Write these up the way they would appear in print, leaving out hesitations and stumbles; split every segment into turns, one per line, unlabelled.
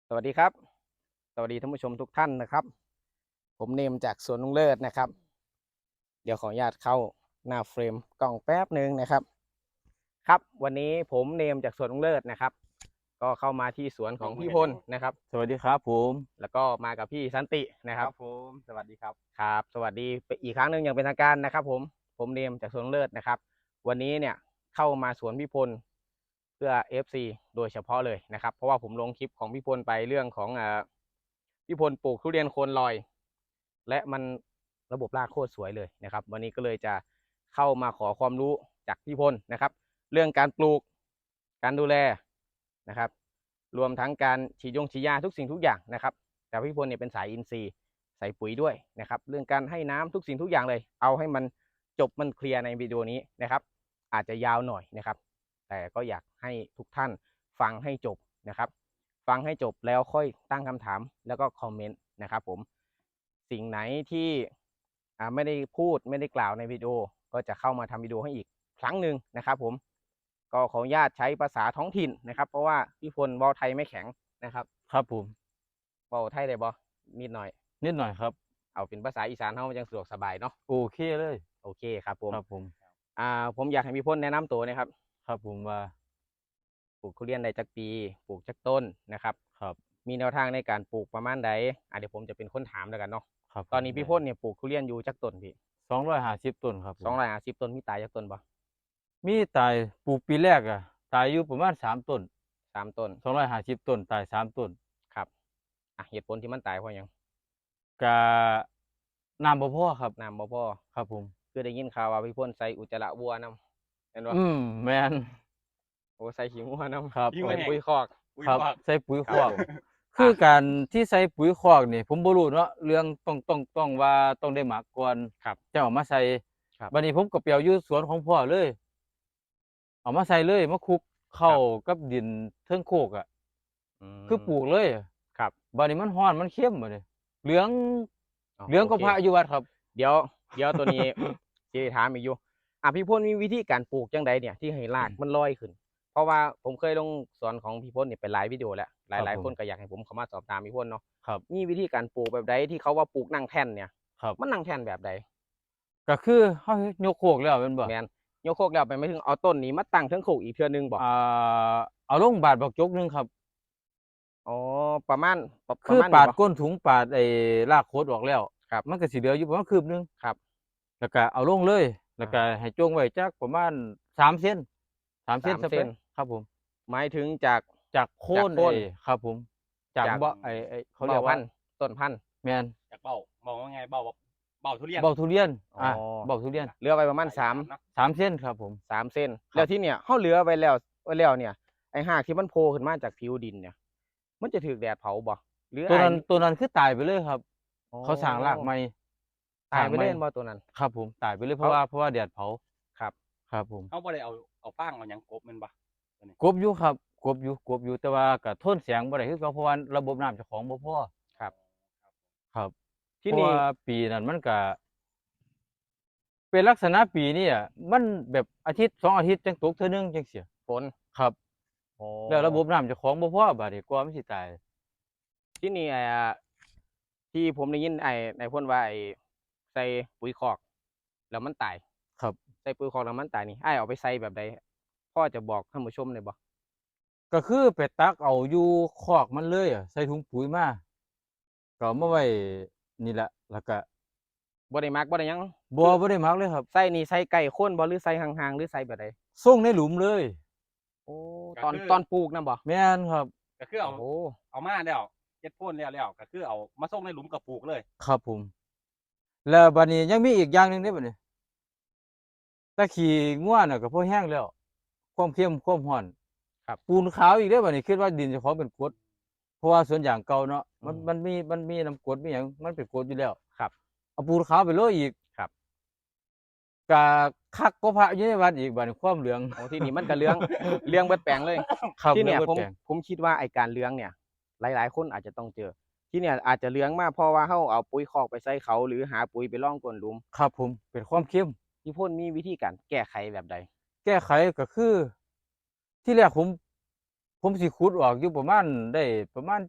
สวัสดีครับสวัสดีท่านผู้ชมทุกท่านนะครับผมเนมจากสวนลุงเลิศนะครับเดี๋ยวขออนุญาตเข้าหน้าเฟรมกล้องแป๊บหนึ่งนะครับครับวันนี้ผมเนมจากสวนลุงเลิศนะครับก็เข้ามาที่สวนของพี่พลนะครับ
สวัสดีครับผม
แล้วก็มากับพี่สันตินะ
ค
ครับ
รับผมสวัสดีครับ
ครับสวัสดีอีกครั้งหนึ่งอย่างเป็นทางการนะครับผมเนมจากสวนลุงเลิศนะครับวันนี้เนี่ยเข้ามาสวนพี่พลเพื่อ FC โดยเฉพาะเลยนะครับเพราะว่าผมลงคลิปของพี่พลไปเรื่องของพี่พลปลูกทุเรียนโคนลอยและมันระบบรากโคตรสวยเลยนะครับวันนี้ก็เลยจะเข้ามาขอความรู้จากพี่พลนะครับเรื่องการปลูกการดูแลนะครับรวมทั้งการฉีดยาทุกสิ่งทุกอย่างนะครับแต่พี่พลเนี่ยเป็นสายอินทรีย์ใส่ปุ๋ยด้วยนะครับเรื่องการให้น้ำทุกสิ่งทุกอย่างเลยเอาให้มันจบมันเคลียร์ในวิดีโอนี้นะครับอาจจะยาวหน่อยนะครับแต่ก็อยากให้ทุกท่านฟังให้จบนะครับฟังให้จบแล้วค่อยตั้งคำถามแล้วก็คอมเมนต์นะครับผมสิ่งไหนที่ไม่ได้พูดไม่ได้กล่าวในวิดีโอก็จะเข้ามาทำวิดีโอให้อีกครั้งหนึ่งนะครับผมก็ขออนุญาตใช้ภาษาท้องถิ่นนะครับเพราะว่าพี่พลเว้าไทยไม่แข็งนะครับ
ครับผม
เว้าไทยได้บ่นิดหน่อย
นิดหน่อยครับ
เอาเป็นภาษาอีสานเฮามันจังสะดวกสบายเนาะ
โอเคเลย
โอเคครับผม
ครับผม
ผมอยากให้พี่พลแนะนำตัวนะครับ
ครับผมว่า
ปลูกทุเรียนได้จักปีปลูกจักต้นนะครับ
ครับ
มีแนวทางในการปลูกประมาณใดเดี๋ยวผมจะเป็นคนถามแล้วกันเนาะ
ครับ
ตอนนี้พี่พลเนี่ยปลูกทุเรียนอยู่จักต้นพี่
250ต้นครับผม
250ต้นมีตายจักต้นบ่
มีตายปลูกปีแรกตายอยู่ประมาณ3 ต้น
3 ต้น
250ต้นตาย3 ต้น
ครับเหตุผลที่มันตายเพราะหยัง
กะน้ำบ่พอครับ
น้ำบ่พอ
ครับผม
คือได้ยินข่าวว่าพี่พลใส่อุจจาระวัวนำเห็นบ่
แม่น
โอ้ใส่ขี้งัวน
ครับ
ำ
ผม
ใส่ปุ๋ยคอก
ครับใส่ปุ๋ยคอก
ครับผม
คือการที่ใส่ปุ๋ยคอกนี่ผมบ่รู้เนาะเรื่องต้องว่าต้องได้หมักก่อน
ครับ
จังเอามาใส่
ครับ
บัดนี้ผมก็ไปเอาอยู่สวนของพ่อเลยเอามาใส่เลยมาคลุกเข้ากับดินเทิงโคก
อื
คือปลู
ม
กเลย
ครับ
บัดนี้มันร้อนมันเค็มบัดนี้เหลือง
อ๋อ
เหลือง
โอเค
กว่าพระอยู่วัดครับ
เดี๋ยวตัวนี้สิถามอีกอยู่พี่พลมีวิธีการปลูกจังใดเนี่ยที่ให้รากมันลอยขึ้นเพราะว่าผมเคยลงสวนของพี่พลเนี่ยไปหลายวิดีโอแล้วห
ครับ
ลาย
ผม
ๆคนก็อยากให้ผมเข้ามาสอบถามพี่พลเนาะ
ครับ
มีวิธีการปลูกแบบใดที่เขาว่าปลูกนั่งแท่นเนี่ย
ครับ
มันนั่งแท่นแบบใด
ก็คือเฮายกโคกแล้วแม่นบ่
แม่นยกโคกแล้วไปหมายถึงเอาต้นนี้มาตั้งเทิงโคกอีกเทื่อหนึ่งบ่
อ่เอาลงบาดบักจกหนึ่งครับ
อ๋อประมาณ
คือ
นี้บ่
ปาดก้นถุงปาดไอ้รากโคตรออกแล้ว
ครับ
มันก็สิเหลืออยู่ประมาณคืบหนึ่ง
ครับ
แล้วก็เอาลงเลยแล้วก็
อา
ให้จ้งไว้จักประมาณ3 เซน3 เซนซะไป
3 เซน
ครับผม
หมายถึงจาก
จากโคน
โคน
ครับผมจาก
จาก
เบาะไอ้เขาเรียกว่า
เบ้าพันธุ์ต้นพันธุ์
แม่น
จากเบ้ามองว่าไงเบ้าเบ้าทุเรียน
เบาทุเรียน
อ๋อ
เบาทุเรียน
เหลือไว้ประมาณ3
เนาะ
3 เซนครับผม
3 เซน
ครับ
แล้วที่เนี่ยเฮาเหลือไว้แล้วเนี่ยไอ้รากที่มันโผล่ขึ้นมาจากผิวดินเนี่ยมันจะถูกแดดเผาบ่หรือ
ตัวนั้นคือตายไปเลยครับ
อ๋อ
เขาสร้างรากใหม่
ตายไปเลย
สร้างใหม่
แม่นบ่ตัวนั้น
ครับผมตายไปเลยเพ
เขา
ราะว่าแดดเผา
ครับ
ครับผม
เขาบ่ได้เอาฟางเอาหยังกบแม่นบ่ตัวนี้
กบอยู่ครับกบอยู่แต่ว่าก็ทนแสงบ่ได้คือเก่าเพราะว่าระบบน้ำเจ้าของบ่พอ
ครับ
ครับเพ
ที่นี่
ราะว่าปีนั้นมันก็เป็นลักษณะปีนี้มันแบบอาทิตย์2 อาทิตย์จังตกเทื่อหนึ่งจังซี้
ฝน
ครับ
อ๋อ
แล้วระบบน้ำเจ้าของบ่พอบัดนี้กว่ามันสิตาย
ที่นี่ที่ผมได้ยินนายพ่นว่าใส่ปุ๋ยคอกแล้วมันตาย
ครับ
ใส่ปุ๋ยคอกแล้วมันตายนี่เอาไปใส่แบบใดพ่อจะบอกท่านผู้ชมได้บ่
ก็คือไปตักเอาอยู่คอกมันเลยใส่ถุงปุ๋ยมาก็เอามาไว้นี่แหละแล้วก็
บ่ได้มักบ่ได้หยัง
บ่ได้หมักเลยครับ
ใส่นี่ใส่ใกล้โคนบ่หรือใส่ห่างๆหรือใส่แบบใด
ส่งในหลุมเลย
โอ้
ก็
ตอน
คือ
ปลูกนำบ่
แม่นครับ
ก็คือเอา
โอ้
เอามาแล้วเฮ็ดโพ่นแล้วก็คือเอามาส่งในหลุมกับปลูกเลย
ครับผมแล้วบัดนี้ยังมีอีกอย่างหนึ่งเด้บัดนี้แต่ขี้งัวน่ะก็พอแห้งแล้วความเค็มความร้อน
ครับ
ปูนขาวอีกเด้บัดนี้คิดว่าดินเจ้าของเป็นกรดเพราะว่าสวนยางเก่าเนาะ
อืม
มันมีน้ำกรดมีหยังมันเป็นกรดอยู่แล้ว
ครับ
เอาปูนขาวไปโรยอีก
ครับ
ก็คักกว่าพระอยู่ในวัดอีกบัดนี้ความเหลือง
โอ้ที่นี่มันก็เรื่องเบิดแปลงเลย
ครับ
ที่
เหลื
เนี่ยผม
องเบิดแปลง
ผมคิดว่าไอ้การเลี้ยงเนี่ยหลายๆคนอาจจะต้องเจอที่เนี่ยอาจจะเลี้ยงมาเพราะว่าเฮาเอาปุ๋ยคอกไปใส่เขาหรือหาปุ๋ยไปร่องก้นหลุม
ครับผมเป็นความเค็ม
พี่พ่นมีวิธีการแก้ไขแบบใด
แก้ไขก็คือที่แรกผมสิขุดออกอยู่ประมาณได้ประมาณจัก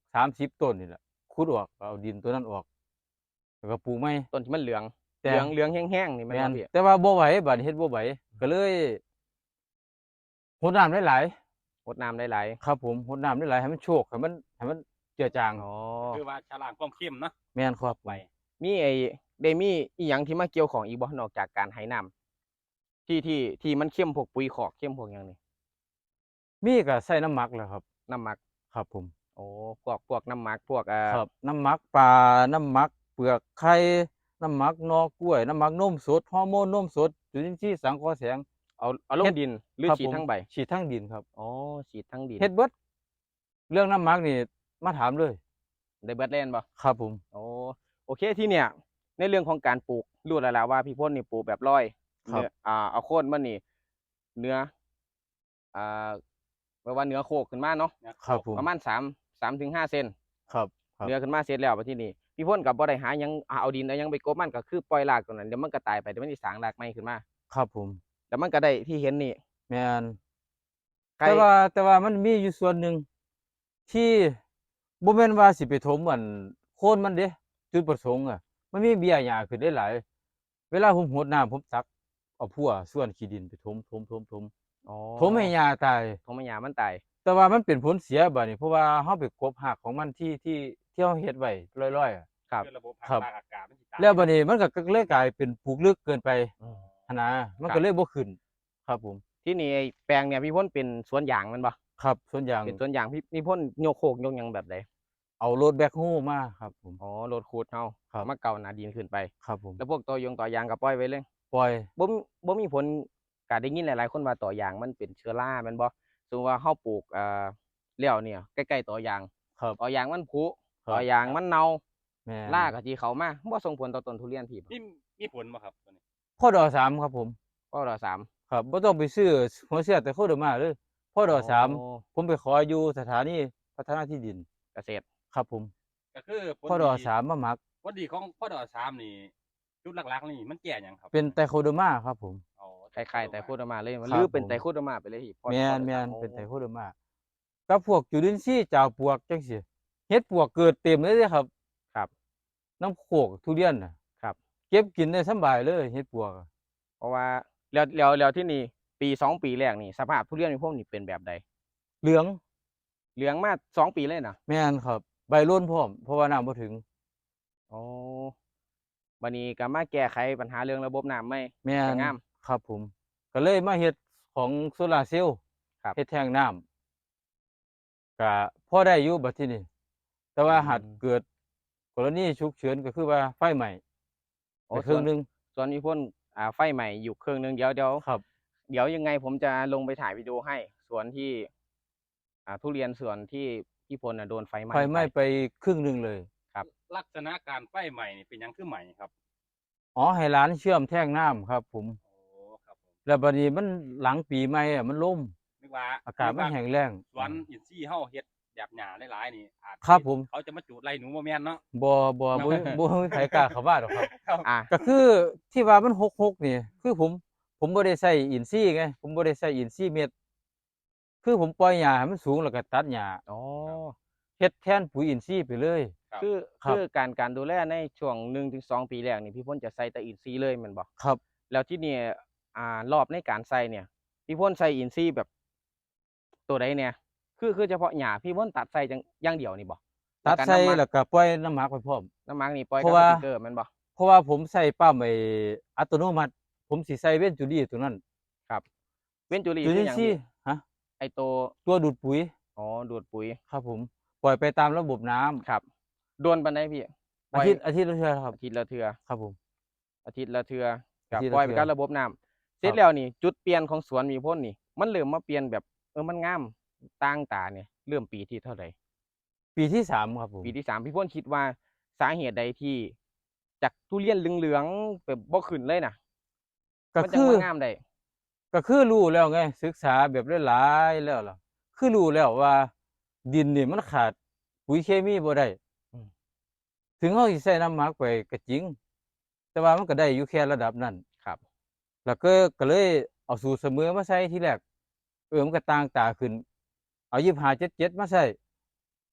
30ต้นนี่แหละขุดออกเอาดินตัวนั้นออกแล้วก็ปลูกใหม่
ต้นที่มันเหลือง
แต่
เหลืองแห้งๆนี่แม่น
แม่
บ่
น
พี่
แต่ว่าบ่ไหวบัดนี้เฮ็ดบ่ไหวก็เลยรดน้ำหลาย
รดน้ำหลาย
ๆครับผมรดน้ำหลายๆให้มันโชกให้มันเจือจาง
ๆอ๋อ
คือว่าชะลางความเข้มเนาะ
แม่นครับ
ไป
มีได้มีอีหยังที่มาเกี่ยวของอีกบ่นอกจากการให้น้ำที่มันเข้มพวกปุ๋ยคอกเข้มพวกหยังนี่
มีก็ใส่น้ำหมักแหล้วครับ
น้ำหมัก
ครับผม
โอ้พวกน้ำหมักพวก
ครับน้ำหมักปลาน้ำหมักเปลือกไข่น้ำหมักหน่อกล้วยน้ำหมักนมสดฮอร์โมนนมสดจุลินทรีย์สังเคราะห์แสง
เอาลงดินหรือ
ครับ
ฉีด
ผม
ทั้งใบ
ฉีดทั้งดินครับ
อ๋อฉีดทั้งดิน
เฮ็ดเบิดเรื่องน้ำหมักนี่มาถามเลย
ได้เบิดเล่นบ่
ครับผม
โอเคที่เนี่ยในเรื่องของการปลูกรู้แล้วล่ะว่าพี่พ่นนี่ปลูกแบบร้อย
ครับ
เนื้อเอาโคนมันนี่เนื้ออ่าแปลว่าเนื้อโคกขึ้นมาเนาะ
ครับผม
ประมาณ3 ถึง 5 เซน
ครับ ครับ
เนื้อขึ้นมาเสร็จแล้วบัดที่นี่พี่พ่นกับบ่ได้หาหยังเอาดินเอาหยังไปกบมันก็คือปล่อยรากตรงนั้นเดี๋ยวมันก็ตายไปเดี๋ยวมันสิสร้างรากใหม่ขึ้นมา
ครับผม
แล้วมันก็ได้ที่เห็นนี่
แม่น
ใคร
แต่ว่ามันมีอยู่ส่วนหนึ่งที่บ่แม่นว่าสิไปถมโคนมันเด้จุดประสงค์อะมันมีเบี้ยหญ้าขึ้นได้หลายเวลาผมรดน้ำผมตักเอาพั่วส่วนขี้ดินไปถม
อ๋อ
ถมให้หญ้าตาย
ทมให้หญ้ามันตาย
แต่ว่ามันเป็นผลเสียบัดนี้เพราะว่าเฮาไปกบรากของมันที่เฮาเฮ็ดไว้ลอยๆอะ
ครับ
คือระบบ
ครับ
ทางอากาศมันสิตาย
แล้วบัดนี้มันก็เลยกลายเป็นปลูกลึกเกินไป
อืม
หั้นนะมัน
ครั
ก็
บ
เลยบ่ขึ้น ครับผม
ที่นี่ไอ้แปลงเนี่ยพี่พ่นเป็นสวนยางแมันบ่
ครับส่วนอย่าง
เป็นสวนยางพี่พ่นโยกโคกโยกหยังแบบใด
เอารถแบ็คโฮมาครับผม
อ๋อรถคูดเฮา
ครับ
มาเก่าหนาดินขึ้นไป
ครับผม
แล้วพวกต่อยางก็ปล่อยไว้เลย
ปล่อย
บ่มีผลก็ได้ยินหลายๆคนว่าต่อยางมันเป็นเชื้อราแม่นบ่สมมุติว่าเฮาปลูกแล้วเนี่ยใกล้ๆต่อยาง
ครับ
ต่อยางมันผุ
ครับ
ต่อยางมันเน่า
แม่น
รากก็สิเข้ามาบ่ส่งผลต่อต้นทุเรียนพี่บ่
มีผลบ่ครับตัวนี้
พ่อดอสามครับผม
ก็รอสาม
ครับบ่ต้องไปซื้อหัวเชื้อแต่โคเดอร์มาเลยพ่อดอสาม
โอ้
ผมไปขออยู่สถานีพัฒนาที่ดิน
เกษตร
ครับผม
ก็คือผล
พ่อดอ
ดี
สามมาหมัก
ผลดีของพ่อดอสามนี่จุดหลักๆนี่มันแก่หยังครับ
เป็นไตโคเดอร์มาครับผม
อ๋อ
คล้ายๆไตรโคเดอร์มาเลย
ครับ
หรือเป็น
ผม
ไตรโคเดอร์มาไปเลยพี่พอ
แม่น
พอ
แม่น
โอ้
เป็นไตโคเดอร์มากับพวกจุลินทรีย์จากปวกจังซี่เฮ็ดปวกเกิดเต็มเลยเด้ครับ
ครับ
น้ำโขกทุเรียนน่ะ
ครับ
เก็บกินได้สำบายเลยเฮ็ดปวกอะ
เพราะว่าแล้วที่นี่ปี2 ปีแรกนี่สภาพทุเรียนพี่พ่นนี่เป็นแบบใด
เหลือง
เหลืองมา2 ปีเลยนะ
แม่นครับ ใบร่นพร้อมเพราะว่าน้ำบ่ถึง
อ๋อบัดนี้ก็มาแก้ไขปัญหาเรื่องระบบน้ำไหม
แม่
ส
น
วยงาม
ครับผม ก็เลยมาเฮ็ดของโซลาร์เซลล์
ครับ
เฮ็ดแทงน้ำก็พอได้อยู่บัดทีนี้แต่ว่าหากเกิดกรณีฉุกเฉินก็คือว่าไฟไหม้
โอ้
ไปครึ่งหนึง
ส่วนพี่พ่นไฟใหม่อยู่เครื่องนึงเดี๋ยว
ครับ
เดี๋ยวยังไงผมจะลงไปถ่ายวิดีโอให้สวนที่ทุเรียนสวนที่พี่พลโดนไฟไหม้
ไฟไหม้
ไป
ไปครึ่งหนึงเลย
ลักษณะการไฟใหม่นี่เป็นหยังคือใหม่ครับ
อ๋อให้ร้านเชื่อมแท่งน้ำครับผม
โอ้ครับผม
แล้วบัดนี้มันหลังปีใหม่อะมันล่ม
นึกว่า
อากาศมันแห้งแล้ง
สวนอินทรีย์เฮาเฮ็ดแบบหญ้าหลายๆนี่อาจ
ครับผม
เขาจะมาจูดไล่หนูบ่แม่นเนาะ
บ่มีใครกล้าเข้ามาหรอกครับ
อ่ะ
ก็คือที่ว่ามันหกนี่คือผมบ่ได้ใส่อินทรีย์ไงผมบ่ได้ใส่อินทรีย์เม็ดคือผมปล่อยหญ้าให้มันสูงแล้วก็ตัดหญ้า
อ๋อ
เฮ็ดแทนปุ๋ยอินทรีย์ไปเลย
ครับ
คือ
ครับ
การดูแลในช่วง1 ถึง 2 ปีแรกนี่พี่พลจะใส่แต่อินทรีย์เลยแม่นบ่
ครับ
แล้วที่นี่รอบในการใส่เนี่ยพี่พลใส่อินทรีย์แบบตัวใดเนี่ยคือเฉพาะหญ้าพี่พลตัดใส่จังอย่างเดียวนี่บ่
ตัด
แล้วก็
ใส่
น้ำหมัก
แล้วก็ปล่อยน้ำหมักไปพร้อม
น้ำหมักนี่ปล่อย
เพ
กับ
ราะว่า
สปริงเกอร์แม่นบ่
เพราะว่าผมใส่ปั๊มอัตโนมัติ ผมสิใส่เว้นจุลีตัวนั้น
เว้นจุลี
จุ
คื
ลิ
อน หยัง
ทรี
พี่
ย์ฮะ
ไอ้ตัว
ตัวดูดปุ๋ย
อ๋อดูดปุ๋ย
ครับผม ปล่อยไปตามระบบน้ำ
ครับโดนปานใดพี่ปล่
อา
อย
ทิตย์ละเทื่อครับ
อาทิตย์ละเทื่อ
ครับผม
อาทิตย์ละเทื่อกับ
อาทิตย์ละ
ปล่อยไป
เทื่อ
กับระบบน้ำเสร็จ
ครับ
แล้วนี่จุดเปลี่ยนของสวนมีพ่นนี่ มันเริ่มมาเปลี่ยนแบบมันงามต่างตาเนี่ยเริ่มปีที่เท่าไหร่
ปีที่สามครับผม
ปีที่3พี่พ่นคิดว่าสาเหตุใดที่จากทุเรียนเหลืองๆแบบบ่ขึ้นเลยน่ะ
ก็
มันจั
คื
ง
อ
มางามได้
ก็คือรู้แล้วไง ศึกษาแบบหลายๆแล้วล่ะคือรู้แล้วว่า ดินนี่มันขาดปุ๋ยเคมีบ่ได้
อืม
ถึงเฮาสิใส่น้ำหมักไปก็จริง แต่ว่ามันก็ได้อยู่แค่ระดับนั้น
ครับ
แล้วก็เลยเอาสูตรเสมอมาใส่ทีแรกมันก็ต่างตาขึ้น เอา2577มาใส่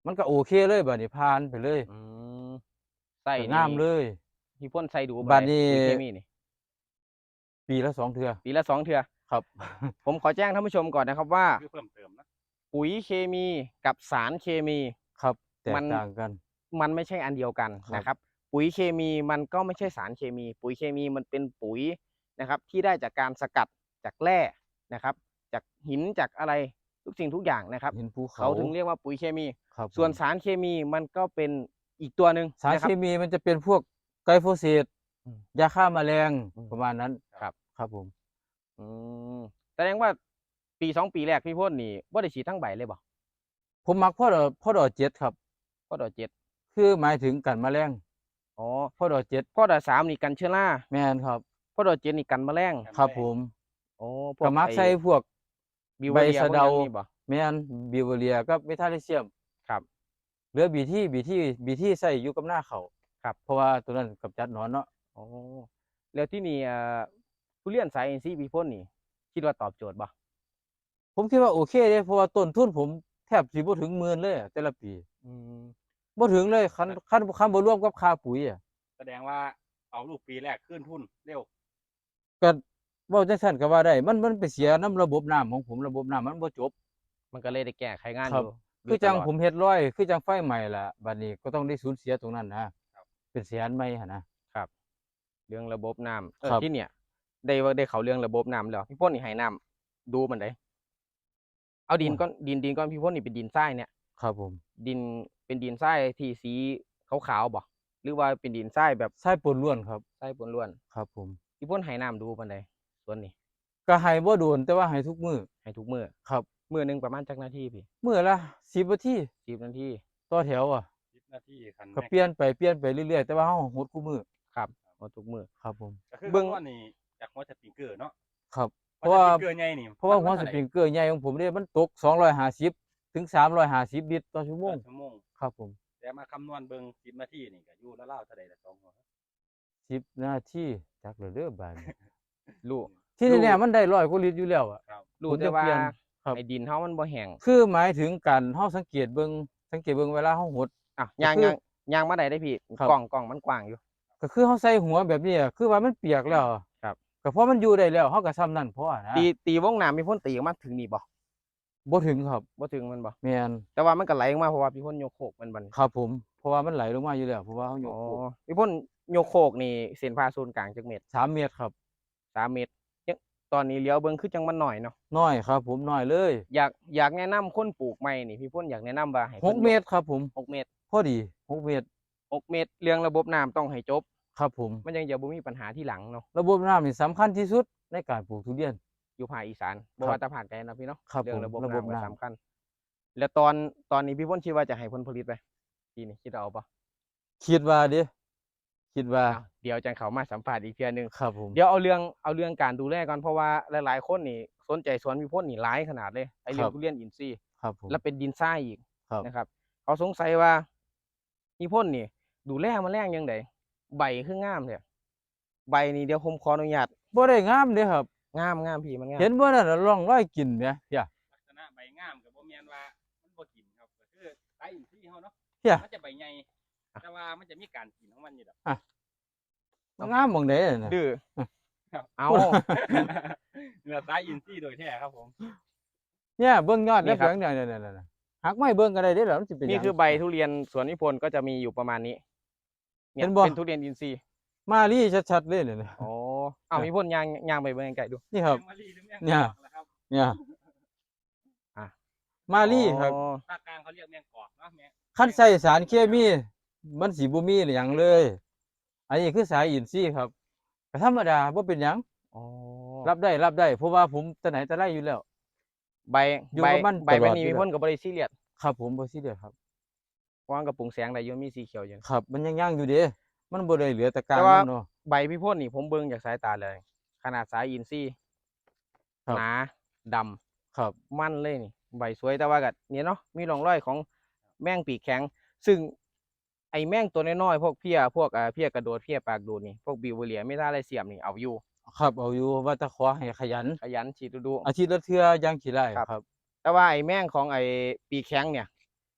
มันก็โอเคเลยบัดนี้ผ่านไปเลย
อืมใส่
ก็
นี่
งามเลย
พี่พ่นใส่ดู
บัดนี้
ปุ๋ยเคมีนี่
ปีละ2เทื่อ
ปีละ2เทื่อ
ครับ
ผมขอแจ้งท่านผู้ชมก่อนนะครับว่า
คือเพิ่มเติมนะ
ปุ๋ยเคมีกับสารเคมี
ครับแต
มั
ก
น
ต่างกัน
มันไม่ใช่อันเดียวกัน
ครับ
นะครับ ปุ๋ยเคมีมันก็ไม่ใช่สารเคมี ปุ๋ยเคมีมันเป็นปุ๋ยนะครับ ที่ได้จากการสกัดจากแร่นะครับ จากหินจากอะไรทุกสิ่งทุกอย่างนะครับ
หินภู
เขาถึงเรียกว่าปุ๋ยเคมี
ครับ
ส่วน
ผม
สารเคมีมันก็เป็นอีกตัวหนึ่ง
สาร
นะค
เครับ มีมันจะเป็นพวกไกลโฟเสต
อืม
ยาฆ่าแมลง
อืม
ประมาณนั้น
ครับ
ครับผม
อืมแสดงว่าปี2ปีแรกพี่พ่นนี่บ่ได้ฉีดทั้งใบเลยบ่
ผมมักพ่อดอก7ครับ
พ่อดอกเจ็ด
คือหมายถึงกันแมลง
อ๋อ
พ่อดอก7
พ่อดอกสามนี่กันเชื้อรา
แม่นครับ
พ่อดอกเจ็ดนี่กันแมลง
ครับผม
โอ้พว
ก็มักใส่พวก
บิว
ใบ
เรีย
สะ
พวก
เดา
อย่างนี้บ่
แม่นบิวเรียกับเมทาลิเซียม
ครับ
เหลือบีที่ใส่อยู่กับหน้าเขาว
ครับ
เพราะว่าตัวนั้นกำจัดหนอนเนาะ
โอ้แล้วที่นี่ทุเรียนสายอินทรีย์พี่พ่นนี่คิดว่าตอบโจทย์บ่
ผมคิดว่าโอเคเด้เพราะว่าต้นทุนผมแทบสิบ่ถึงหมื่นเลยอะแต่ละปี
อืม
บ่ถึงเลยคันบ่รวมกับค่าปุ๋ยอะ
แสดงว่าเอาลูกปีแรกขึ้นทุนเร็ว
ก็เว้าจังซั่นก็ว่าได้ มันไปเสียน้ำระบบน้ำของผมระบบน้ำมันบ่จบ
มันก็เลยได้แก้ไขงาน
ครั
อบ ยู่
คือจัง
ตลด
ผมเฮ็ดร้อยคือจังไฟไหม้ล่ะบัดนี้ก็ต้องได้สูญเสียตรงนั้นนะเป็นแสนไหม้หั่นนะ
เรื่องระบบน้ำ
ครับ
ที่เนี่ยได้เขาเรื่องระบบน้ำแล้วพี่พ่นนี่ให้น้ำดูมันได้เอาดินก้อนดินก้อนพี่พ่นนี่เป็นดินทรายเนี่ย
ครับผม
ดินเป็นดินทรายที่สีขาวๆบ่หรือว่าเป็นดินทรายแบบ
ทรายปนล้วนครับ
ทรายปนล้วน
ครับผม
พี่พ่นให้น้ำดูมันได้ส่วนนี้
ก็ให้บ่โดนแต่ว่าให้ทุกมื้อ
ให้ทุกมื้อ
ครับ
มื้อหนึงประมาณจักนาทีพี่
มื้อละ10นาที
10นาที
ต่อแถวอ่ะ
10 นาทีคัน
ก็เปลี่ยนไปเรื่อยๆแต่ว่าเฮาหดคู่มื้อ
ครับเอาทุกมื้อ
ครับผม
ก็คือ
เบิ่ง
ว่านี่จากหัวสปริงเกอร์เนาะ
ครับ เพ
หัว
ราะ
ส
ว่า
ปริงเกอร์ใหญ่นี่
เพราะว่าหัว
มัน
ส
เท่ไห
ปริงเกอร์ใหญ่ของผมเนี่ยมันตก250ถึง350ลิตรต่อชั่วโมง
ชั่วโมง
ครับผม
แต่มาคำนวณเบิ่ง10 นาทีนี่ก็อยู่ราวๆเท่าใดละ2หัว
10นาทีจักแล้วเด้อบาดนี้
รู้
ที่แน่ๆมันได้100กว่าลิตรอยู่แล้วอะ
ครับ
รู้
ผม
แต่
จะ
ว่า
เปลี่ยนครับ
ไอ้ดินเฮามันบ่แห้ง
คือหมายถึงการเฮาสังเกตเบิ่งเวลาเฮาหด
อ่ะ
ก็
ย่าง
คือ
ย่างมาได้พี่
ครับ
กล่องมันกว้างอยู่
ก็คือเฮาใส่หัวแบบนี้อะคือว่ามันเปียกแล้ว
ครับ
ก็เพราะมันอยู่ได้แล้วเฮาก็ซ้ำนั่นพอนะ
ตีวงน้ำมีพ่นตีออกมาถึงนี่บ่
บ่ถึงครับ
บ่ถึงมันบ่
แม่น
แต่ว่ามันก็ไหลออกมาเพราะว่าพี่พ่นโยกโคกมันบัดนี้
ครับผมเพราะว่ามันไหลลงมาอยู่แล้วเพราะว่าเฮาโย
อ๋
ก
อ
โคก
พี่พ่นโยกโคกนี่เส้นผ่าศูนย์กลางจักเม็ด
3เมตรครับ
3เมตรยังตอนนี้เลี้ยวเบิ่งคือจังมันหน่อยเนาะ
น้อยครับผมน้อยเลย
อยากแนะนำคนปลูกใหม่นี่พี่พ่นอยากแนะนำว่าให้
6เมตรครับผม
6เมตร
พอดี6เมตร
6เมตรเรื่องระบบน้ำต้องให้จบ
ครับผม
มันยังจะบ่มีปัญหาที่หลังเนาะ
ระบบน้ำนี่สำคัญที่สุดในการปลูกทุเรียน
อยู่ภาคอีสานบ่
ครับ
ว่าแต่ภาคใดนะพี่เนาะ
ครับ
เรื่องระบบ
ผมระบบ
น้ำก็
น้ำ
สำคัญ แล้วตอนนี้พี่พ่นคิดว่าจะให้ผลผลิตไปปีนี้คิดเอาปะ
คิดว่าเด้คิดว่า
อ้าวเดี๋ยวจังเขามาสัมภาษณ์อีกเทื่อนึง
ครับผม
เดี๋ยวเอาเรื่องการดูแลก่อนเพราะว่าหลายๆคนนี่สนใจสวนพี่พ่นนี่หลายขนาดเลยไอ้เรื่องทุเรียนอินทรีย์
ครับผม
แล้วเป็นดินทรายอีก
ครับ
นะครับ เขาสงสัยว่าพี่พ่นนี่ ดูแลแมลงยังไงใบคืองามเนี่ยใบนี่เดี๋ยวผมขออนุญาต
บ่ได้งามเด้ครับ
งามพี่มันงาม
เห็นบ่นั่นน่ะร่องรอยกลิ่นแหมเพีย
ลักษณะใบงามก็บ่แม่นว่ามันบ่กินครับก็คือสายอินทรีย์เฮาเนาะ
เพีย
มันจะใบใหญ่แต่ว่ามันจะมีการกินของมันอยู่ดอก
มันงามหม่องใดน่ะ
ดื้อ
ครับ
เอา
เนื้อสายอินทรีย์โดยแท้ครับผม
เนี่ยเบิ่งยอด
นี่
แล้ว
ครับ
เพียงเนี่ยๆหักไม้เบิ่งก็ได้เด้ล่ะมันสิเป็นห
นี่
ยัง
คือใบทุเรียนสวนนิพนธ์ก็จะมีอยู่ประมาณนี้เนี่ย
เห็นบ่
เป็นทุเรียนอินทรีย์
มาลี่ชัดๆเลยเนี่ยนะ
อ๋อเอามีพ่นยางไปเบิ่งไกลๆดู
นี่ครับ
แมงมะลิหรือแมง
เนี่ย
กอกล่ะครับ
เนี่ย
อ่ะ
มาลี่ครับ
อ๋อ
ภาคกลางเขาเรียกแมงกอกเนาะแมง
คันใส่สารเคมีมันสิบ่มีหยังเลย อันนี้คือสายอินทรีย์ครับก็ธรรมดาบ่เป็นหยัง
อ๋อ
รับได้เพราะว่าผมแต่ไหนแต่ไรอยู่แล้ว
ใบ
อยู่
ใบ
กับมัน
ใบ
ตลอด
นี้
อยู่
มี
แล้ว
พ่นกับบริซีเรียส
ครับผมบ่ซีเรียสครับ
เพราะว่ากับปรุงแสงได้อยู่มีสีเขียวอยู่
ครับ มันยังอยู่เด้มันบ่ได้เหลือแต่กลาง
แต่ว่า
มันเนาะ
ใบพี่พ่นนี่ผมเบิ่งจากสายตาเลย ขนาดสายอินทรีย์
ครับ
หนาดำ
ครับ
มันเลยนี่ใบสวยแต่ว่าก็เนี่ยเนาะมีร่องรอยของแมงปีกแข็ง ซึ่งไอ้แมงตัวน้อยๆพวกเพี้ยพวกเพี้ยกระโดดเพี้ยปากดูดนี่พวกบิวเลียไม่ได้อะไรเสียมนี่เอาอยู่
ครับเอาอยู่ว่าแตะขอให้ขยัน
ขยันฉีดดู
อาทิตย์ละเทื่ออย่างขี้ไร่
ครับ
ครับ
แต่ว่าไอ้แมงของไอ้ปีกแข็งเนี่ย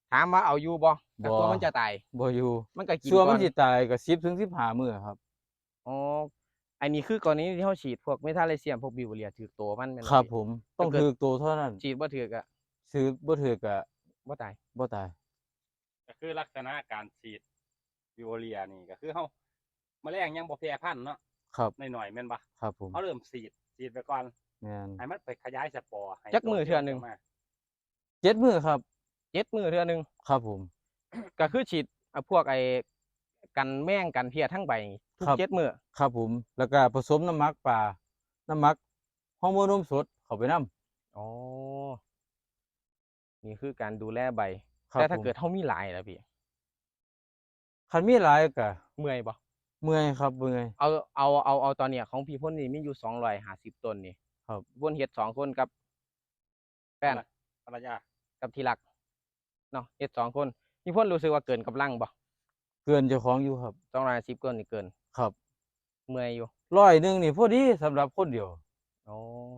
ถามว่าเอาอยู่บ่แต่
บ่
ตัวมันจะตาย
บ่อยู่
มันก็กิน
ส่วน
ก่
มั
อน น
สิตายก็10 ถึง 15 มื้อครับ
อ๋อ อันนี้คือกรณีที่เราฉีดพวกเมทาเลเซียมพวกบิวเรียถือตัวมันแม่น
ครับ
พี่
ผม ต้อง
ถ้าเกิด
ถูกตัวเท่านั้น
ฉีดบ่ถูกอะ
ซื้อบ่ถูกก็
บ่ตาย
บ่ตาย
ก็คือลักษณะการฉีดวิโอเลียนี่ก็คือเฮาแมลงยังบ่แพร่พันธุ์เนาะ
ครับ
น้อยๆแม่นบ่
ครับผม
เฮาเริ่มฉีดไปก่อน
แม่น
ให้มันไปขยายสปอร์ให้
จักมื้อเทื่อหนึ่ง
มา
7 มื้อครับ
7 มื้อเทื่อหนึง
ครับผม
ก็คือฉีดพวกไอ้กันแมงกันเพี้ยทั้งใบทุก
ครับ
7 มื้อ
ครับผม แล้วก็ผสมน้ำหมักปลา น้ำหมักฮอร์โมนนมสดเข้าไปนำ
อ๋อ นี่คือการดูแลใบ
ครับ
แต่ถ้า
ผม
เกิดเฮามีหลายล่ะพี่
คันมีหลายก็
เมื่อยบ่
เมื่อยครับ เมื่อย
เอาตอนเนี้ยของพี่พ่นนี่มีอยู่250ต้นนี่
ครับ
พี่พ่นเฮ็ด2คนกับแฟน
ภรรยา
กับที่รักเนาะเฮ็ด2คนพี่พ่นรู้สึกว่าเกินกำลังบ่
เกินเจ้าของอยู่ครับ
250ต้นนี่เกิน
ครับ
เมื่อยอยู่
100 นึงนี่พอดีสำหรับคนเดียว
อ๋อ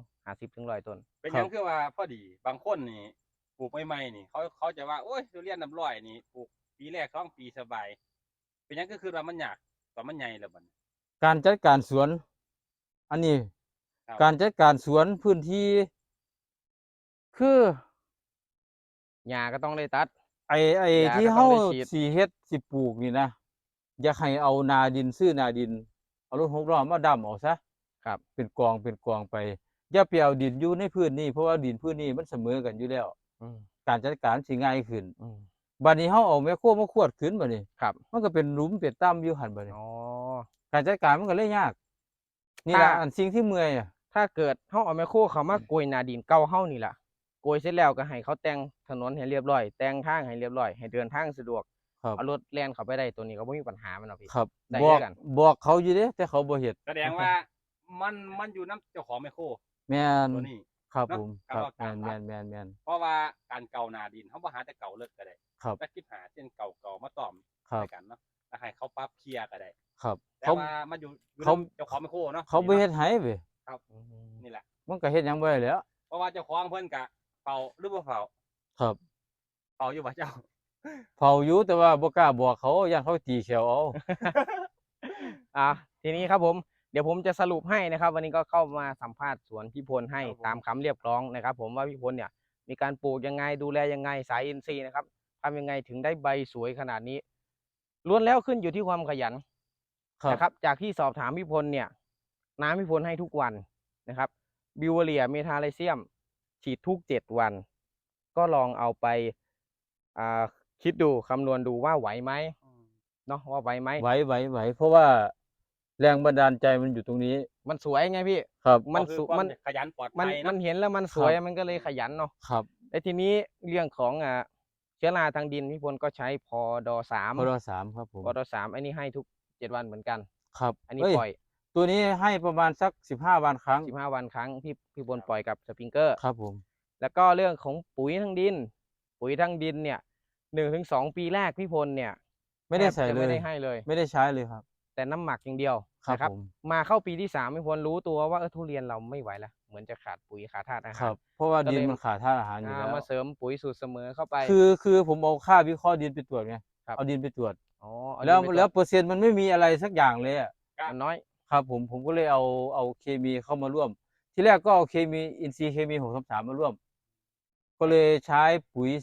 50ถึง100ต้น
เป็นห
ครั
ยั
บ
งคือว่าพอดีบางคนนี่ปลูกใหม่ๆนี่เขาจะว่าโอ้ยทุเรียนน้ำร้อยนี่ปลูกปีแรก2 ปีสบาย เป็นหยังก็คือว่ามันยากตอนมันใหญ่แล้วบัดนี้
การจัดการสวน อันนี้
ครับ
การจัดการสวนพื้นที่ คือ
หญ้าก็ต้องได้ตัด
ไอ้
ยา
ที่
ก็ต้
เฮา
องได้ฉีด
สิเฮ็ดสิปลูกนี่นะ อยากให้เอานาดินซื้อนาดิน เอารถ6ล้อมาดำเอาซะ
ครับ
เป็นกองเป็นกองไป อย่าไปเอาดินอยู่ในพื้นนี้ เพราะว่าดินพื้นนี้มันเสมอกันอยู่แล้ว
อืม
การจัดการสิง่ายขึ้น
อืม
บัดนี้เฮาเอาแมคโครมาขวดขึ้นบัดนี้
ครับ
มันก็เป็นหลุมเป็นต่ำอยู่หั่นบัดนี้
อ๋อ
การจัดการมันก็เลยยาก นี่ล่ะ
ถ้า
อันสิ่งที่เมื่อยอะ
ถ้าเกิดเฮาเอาแมคโครเข้ามาโกยหน้าดินเก่าเฮานี่ล่ะโกยเสร็จแล้วก็ให้เขาแต่งถนนให้เรียบร้อย แต่งทางให้เรียบร้อย ให้เดินทางสะดวก
ครับ
เอารถแล่นเข้าไปได้ตัวนี้ก็บ่มีปัญหามันหรอกพี่
ครับ
ได้
บอก
คือกัน
บอกเขาอยู่เด้แต่เขาบ่เฮ็ด
แสดงว่ามันอยู่น้ำเจ้าของไมโคร
แม่น
ตัวนี้
ครับ
เนาะ
ผม
การ
ครับ
ว่าการ
แม่
ตัด
นๆๆ
เพราะว่าการเก่าหนาดินเขาบ่หาแต่เก่าเลิกก็ได้
ครับ
แต่คิดหาเช่นเก่ามาตอม
ครับ
ใส่กันเนาะแล้วให้เขาปรับเคลียร์ก็ได้
ครับ
แต่
เขา
ว่ามันอยู่
เขา
นำเจ้าของไมโครเนาะ
เขาบ่เฮ็ดให้เว้ย
อืม
นี่แหละ
มันก็เฮ็ดหยังบ่ได้แหล้ว
เพราะว่าเจ้าของเพิ่นก็เฝ้าหรือบ่เฝ้า
ครับ
เฝ้าอยู่บ่เจ้า
เฝ้าอยู่แต่ว่าบ่กล้าบอกเขาย้านเขาตีแขวเอา
อ่ะทีนี้ครับผมเดี๋ยวผมจะสรุปให้นะครับ วันนี้ก็เข้ามาสัมภาษณ์สวนพี่พลให้
ครับผม
ตามคำเรียกร้องนะครับ ผมว่าพี่พลเนี่ยมีการปลูกยังไงดูแลยังไงสายอินทรีย์นะครับทำยังไงถึงได้ใบสวยขนาดนี้ล้วนแล้วขึ้นอยู่ที่ความขยัน
ครับ
นะครับ จากที่สอบถามพี่พลเนี่ย น้ำพี่พลให้ทุกวันนะครับบิวเรียเมทาไลเซียม ฉีดทุก7 วัน ก็ลองเอาไปคิดดูคำนวณดูว่าไหวไหมเนาะว่าไหวไหม
ไหวเพราะว่าแรงบันดาลใจมันอยู่ตรงนี้
มันสวยไงพี่
ครับ
มัน
ก็คือ
สุ
ความ
มัน
ขยันปลอด
มัน
ภัย
มั
เนาะ
นเห็นแล้วมันสวย
ครับ
มันก็เลยขยันเนาะ
ครับ
แล้วทีนี้เรื่องของเชื้อราทางดินพี่พลก็ใช้พอดอสาม
พด3ครับผม
พอดอสามอันนี้ให้ทุก7 วันเหมือนกัน
ครับ
อันนี้
เอ้ย
ปล่อย
ตัวนี้ให้ประมาณสัก15 วันครั้ง
15 วันครั้งพี่พลปล่อยกับสปริงเกอร์
ครับผม
แล้วก็เรื่องของปุ๋ยทางดิน ปุ๋ยทางดินเนี่ย1 ถึง 2 ปีแรกพี่พลเนี่ย
ไม่ได้
แทบ
ใส่
จะ
เล
ไม่
ย
ได้ให้เลย
ไม่ได้ใช้เลยครับ
แต่น้ำหมักอย่างเดียว
ครับ
นะครับ
ผม
มาเข้าปีที่3พี่พลรู้ตัวว่าทุเรียนเราไม่ไหวแล้วเหมือนจะขาดปุ๋ยขาดธาตุอา
ค
หา
รั
ร
บ เพราะว่า
ก็
ดิ
เล
น
ย
มันขาดธาตุอาหารอยู่แล้ว
มาเสริมปุ๋ยสูตรเสมอเข้าไป
คือผมเอาค่าวิเคราะห์ดินไปตรวจไง
ครับ
เอาดินไปตรวจ
อ๋อเอา
แล้ว
ดินไป
แล้ว
ตร
เปอร์เซ็นต์มันไม่มีอะไรสักอย่างเลยอะ
มันน้อย
ครับผมก็เลยเอาเคมีเข้ามาร่วม ที่แรกก็เอาเคมีอินทรีย์เคมี633มาร่วม ก็เลยใช้ปุ๋ย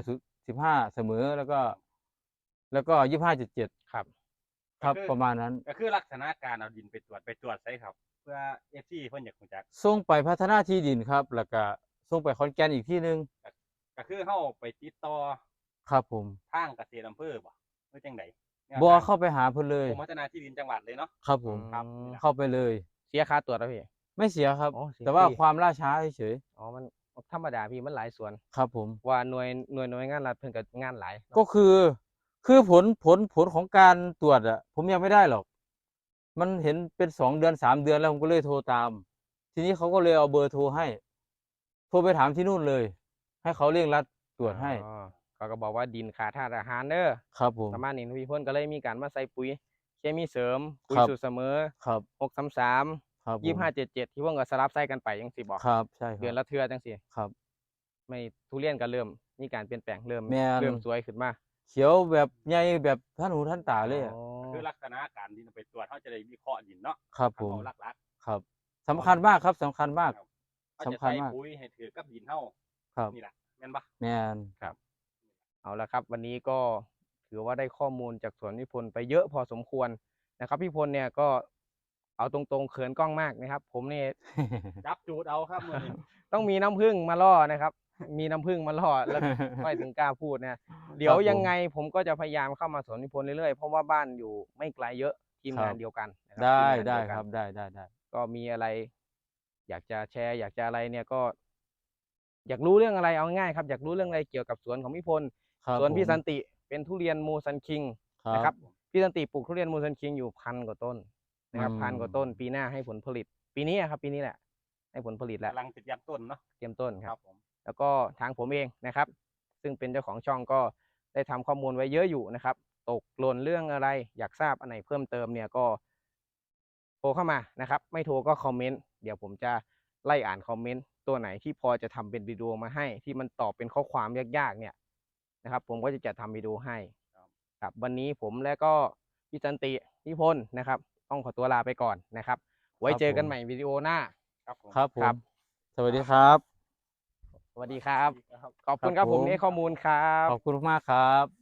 15เสมอแล้วก็25.7
ครับ
ครับ
ก็คือ
ประมาณนั้น
ก็คือลักษณะการเอาดินไปตรวจใส่ครับ เพื่อ FC เพิ่นอยากรู้จัก
ส่งไปพัฒนาที่ดินครับ แล้วก็ส่งไปขอนแก่นอีกที่หนึง
ก็คือเฮาไปติดต่อ
ครับผม
ทางเกษตรอำเภอบ่หรือจังได
บ่เข้าไปหาเพิ่นเลย
กรมพัฒนาที่ดินจังหวัดเลยเนาะ
ครับผม
ครับ
เข้าไปเลย
เสียค่าตรวจแล้วพี่
ไม่เสียครับ
อ๋อเสีย
แต่ว่า
ฟรี
ความล่าช้าเฉย
อ๋อมันธรรมดาพี่มันหลายส่วน
ๆครับผม
ว่าหน่วยงานรัฐเพิ่นก็งานหลาย
ก็คือผลของการตรวจอะผมยังไม่ได้หรอก มันเห็นเป็น2 เดือน 3 เดือนแล้วผมก็เลยโทรตาม ทีนี้เขาก็เลยเอาเบอร์โทรให้ โทรไปถามที่นู่นเลย ให้เขาเร่งรัดตรวจให้
อ๋อเขาก็บอกว่าดินขาดธาตุอาหารเด้อ
ครับผม
ประมาณนี้พี่พลก็เลยมีการมาใส่ปุ๋ยเคมีเสริมปุ๋ย
ครับ
สูตรเสมอ
ครับ
633
ครับผม
2577ที่พวกก็สลับใส่กันไปจังซี่บ่
ครับใช่ค
เดือน
รับ
ละเทื่อจังซี่
ครับ
ไม่ทุเรียนก็เริ่มมีการเปลี่ยนแปลงเริ่ม
แม่น
เริ่มสวยขึ้นมา
เขียวแบบใหญ่แบบท่านหูท่านตาเลยอะ
อ๋อ
คือลักษณะการดินเอาไปตรวจเขาจะได้วิเคราะห์ดินเนาะ
ครับผม
เอาหลัก
ครับสำคัญมากครับสำคัญ
ๆ
มาก
ครับเขาจะ
สำคัญ
ใส่
มาก
ปุ๋ยให้ถือกับดินเฮา
ครับ
นี่แหละแม่นบ่
แม่น
เอาละครับ วันนี้ก็ถือว่าได้ข้อมูลจากสวนพี่พลไปเยอะพอสมควรนะครับพี่พลเนี่ยก็เอาตรงๆเขินกล้องมากนะครับ ผมนี่
จับจูดเอาครับมื้อนี้
ต้องมีน้ำผึ้งมาล่อนะครับ มีน้ำผึ้งมาล่อแล้วค่อยถึงกล้าพูดนะเดี๋ยวยังไงผมก็จะพยายามเข้ามาสวนพี่พลเรื่อยๆเพราะว่าบ้านอยู่ไม่ไกลเยอะทีมงานเดียวกันนะครั
ได้
ทีมงาน
ได้
เยวกัน
ครับได้
ก็มีอะไร อยากจะแชร์ อยากจะอะไรเนี่ยก็ อยากรู้เรื่องอะไรเอาง่ายๆครับอยากรู้เรื่องอะไรเกี่ยวกับสวนของพี่พล
ครับ
สวนพี่
ผม
สันติเป็นทุเรียนมูซันคิง
ครับ
นะครับพี่สันติปลูกทุเรียนมูซันคิงอยู่1,000 กว่าต้นนะครับ
อืม
1,000 กว่าต้น ปีหน้าให้ผลผลิต ปีนี้อะครับปีนี้แหละ ให้ผลผลิตแล้ว
กำลังติดยันต้นเนาะ
เตรียมต้นค
ค
รั
รับ บผม
แล้วก็ทางผมเองนะครับ ซึ่งเป็นเจ้าของช่องก็ได้ทำข้อมูลไว้เยอะอยู่นะครับ ตกหล่นเรื่องอะไร อยากทราบอันไหนเพิ่มเติมเนี่ยก็โทรเข้ามานะครับ ไม่โทรก็คอมเมนต์เดี๋ยวผมจะไล่อ่านคอมเมนต์ตัวไหนที่พอจะทำเป็นวิดีโอมาให้ ที่มันตอบเป็นข้อความยากๆเนี่ยนะครับ ผมก็จะจัดทำวิดีโอให้ครับวันนี้ผมและก็พี่สันติพี่พลนะครับ ต้องขอตัวลาไปก่อนนะครับ ไว้เจอกันใหม่วิดีโอหน้า
ครับผม
ครับผ
ครั
ม
บ
สวัสดีครับ
สวัสดีครับ
ครับ
ขอบคุณครับ
ครับ
ผม
ผม
ที่ให้ข้อมูลครับ
ขอบคุณมากครับ